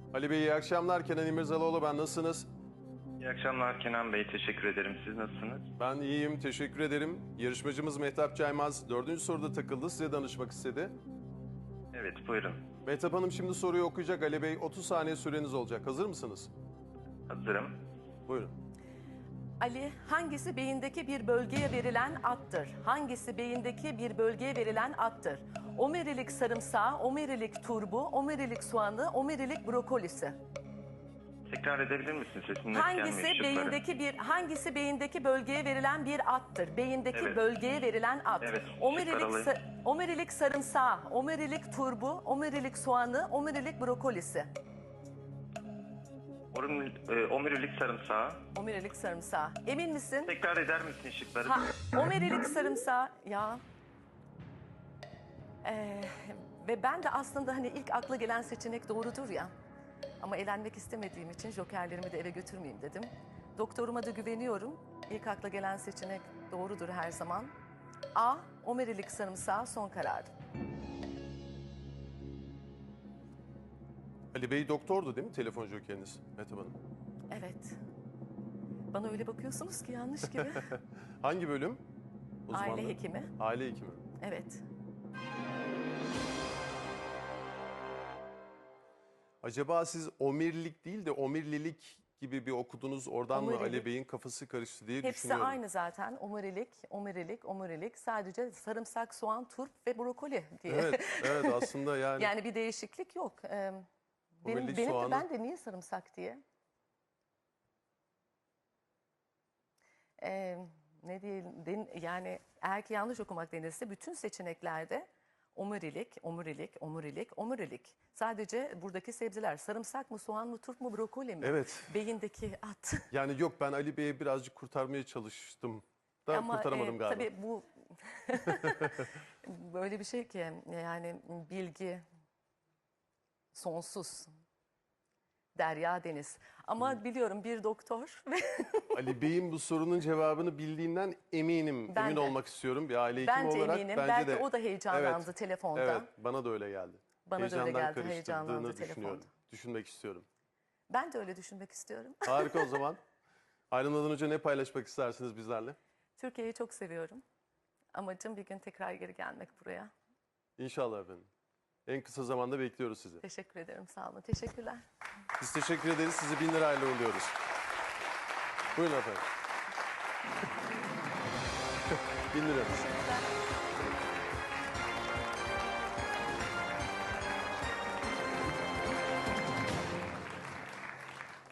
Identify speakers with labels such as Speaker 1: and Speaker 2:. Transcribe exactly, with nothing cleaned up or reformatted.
Speaker 1: Ali Bey iyi akşamlar. Kenan İmirzalıoğlu ben. Nasılsınız?
Speaker 2: İyi akşamlar Kenan Bey. Teşekkür ederim. Siz nasılsınız?
Speaker 1: Ben iyiyim. Teşekkür ederim. Yarışmacımız Mehtap Caymaz dördüncü soruda takıldı. Size danışmak istedi.
Speaker 2: Evet, buyurun.
Speaker 1: Mehtap Hanım şimdi soruyu okuyacak. Ali Bey otuz saniye süreniz olacak. Hazır mısınız?
Speaker 2: Hazırım.
Speaker 1: Buyurun.
Speaker 3: Ali, hangisi beyindeki bir bölgeye verilen addır? Hangisi beyindeki bir bölgeye verilen addır? Omerilik sarımsağı, omerilik turbu, omerilik soğanı, omerilik brokolisi.
Speaker 2: Tekrar edebilir misin? Sesin net
Speaker 3: Hangisi
Speaker 2: gelmiyor şıkları.
Speaker 3: beyindeki bir hangisi beyindeki bölgeye verilen bir addır? Beyindeki
Speaker 2: Evet.
Speaker 3: bölgeye verilen ad.
Speaker 2: Evet,
Speaker 3: Omerilik
Speaker 2: şıkları alayım.
Speaker 3: sa- omerilik sarımsağı, omerilik turbu, omerilik soğanı, omerilik brokolisi.
Speaker 2: Omurilik, e, omurilik sarımsağı.
Speaker 3: Omerilik sarımsağı. Emin misin?
Speaker 2: Tekrar eder misin şıkları?
Speaker 3: Ha, omerilik sarımsağı ya. Ee, ve ben de aslında hani ilk akla gelen seçenek doğrudur ya. Ama elenmek istemediğim için jokerlerimi de eve götürmeyeyim dedim. Doktoruma da güveniyorum. İlk akla gelen seçenek doğrudur her zaman. A. Omerilik sarımsağı son karar.
Speaker 1: Ali Bey doktordu değil mi telefon jokeriniz Mehtap Hanım?
Speaker 3: Evet. Bana öyle bakıyorsunuz ki yanlış gibi.
Speaker 1: Hangi bölüm?
Speaker 3: Aile
Speaker 1: Uzmanlığı?
Speaker 3: hekimi.
Speaker 1: Aile hekimi.
Speaker 3: Evet.
Speaker 1: Acaba siz omirlik değil de omirlilik gibi bir okudunuz. Oradan mı
Speaker 3: Omurilik.
Speaker 1: Ali Bey'in kafası karıştı diye
Speaker 3: Hepsi
Speaker 1: düşünüyorum.
Speaker 3: aynı zaten. Omurilik, omurilik, omurilik. Sadece sarımsak, soğan, turp ve brokoli diye.
Speaker 1: Evet, evet aslında yani,
Speaker 3: Yani bir değişiklik yok. Ee, benim,
Speaker 1: Omurilik
Speaker 3: benim de
Speaker 1: soğanı.
Speaker 3: ben de niye sarımsak diye? Ee, ne diyelim, den- yani eğer ki yanlış okumak denirse bütün seçeneklerde omurilik, omurilik, omurilik, omurilik. Sadece buradaki sebzeler sarımsak mı, soğan mı, turp mu, brokoli mi?
Speaker 1: Evet.
Speaker 3: Beyindeki at.
Speaker 1: yani yok ben Ali Bey'e birazcık kurtarmaya çalıştım da
Speaker 3: Ama
Speaker 1: kurtaramadım
Speaker 3: e,
Speaker 1: galiba.
Speaker 3: tabii bu böyle bir şey ki yani bilgi sonsuz. Derya deniz. Ama biliyorum bir doktor ve
Speaker 1: Ali Bey'in bu sorunun cevabını bildiğinden eminim.
Speaker 3: Ben
Speaker 1: Emin
Speaker 3: de.
Speaker 1: olmak istiyorum bir aile hekimi
Speaker 3: Ben de
Speaker 1: olarak.
Speaker 3: eminim.
Speaker 1: Bence
Speaker 3: Belki
Speaker 1: de.
Speaker 3: o da heyecanlandı
Speaker 1: Evet,
Speaker 3: telefonda.
Speaker 1: Evet, bana da öyle geldi.
Speaker 3: Bana da öyle
Speaker 1: Heyecandan
Speaker 3: geldi,
Speaker 1: karıştırdığını
Speaker 3: heyecanlandı
Speaker 1: düşünüyorum.
Speaker 3: telefonda.
Speaker 1: Düşünmek istiyorum.
Speaker 3: Ben de öyle düşünmek istiyorum.
Speaker 1: Harika o zaman. Ayrılmadan önce ne paylaşmak istersiniz bizlerle?
Speaker 3: Türkiye'yi çok seviyorum. Amacım bir gün tekrar geri gelmek buraya.
Speaker 1: İnşallah efendim. En kısa zamanda bekliyoruz sizi.
Speaker 3: Teşekkür ederim. Sağ olun. Teşekkürler.
Speaker 1: Biz teşekkür ederiz. Sizi bin lirayla uğurluyoruz. Buyurun efendim. bin lira.
Speaker 3: Teşekkürler.